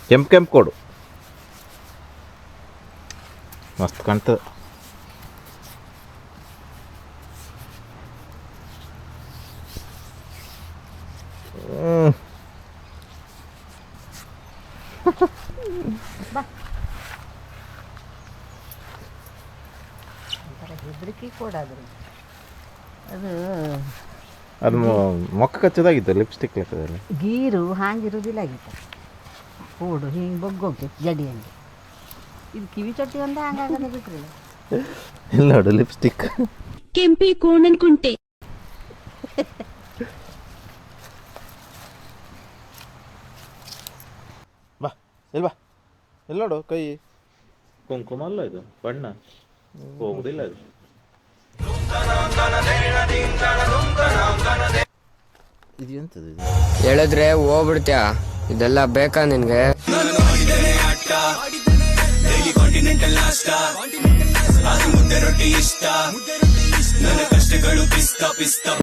ಕೆಂಪು ಕೆಂಪು ಕೊಡು, ಮಸ್ತ್ ಕಾಣ್ತದೆ. ಹೆದರಿಕೆ ಕೊಡಾದ್ರು ಅದು ಅದು ಮೊಕ್ಕ ಕಚ್ಚೋದಾಗಿತ್ತು, ಲಿಪ್ಸ್ಟಿಕ್ ಲೆಕ್ಕದಲ್ಲಿ. ಗೀರು ಹಾಂಗಿರುವುದಿಲ್ಲ ಆಗಿತ್ತು, ಕೂಡು ಹಿಂಗೆ ಬಗ್ಗೋಕೆ ಜಡಿ ಹಂಗೆ. ಇದು ಕಿವಿ ಚಟ್ಟಿ ಒಂದು ಹಂಗಾಗದೆ ಬಿಟ್ರಿ ಇಲ್ಲ ನೋಡು ಲಿಪ್ಸ್ಟಿಕ್. ಕೆಂಪಿ ಕೋಣನ್ ಕುಂಟೆ. ಬಾ ಇಲ್ವಾ, ಇಲ್ಲ ನೋಡು ಕೈ ಕುಂಕುಮ ಅಲ್ಲ ಇದು, ಬಣ್ಣ ಹೋಗುದಿಲ್ಲ ಅದು. ಇದು ಎಂತದು ಇದು? ಹೇಳಿದ್ರೆ ಹೋಗ್ಬಿಡ್ತ್ಯಾ? ಇದೆಲ್ಲ ಬೇಕಾ ನಿನ್ಗೆ?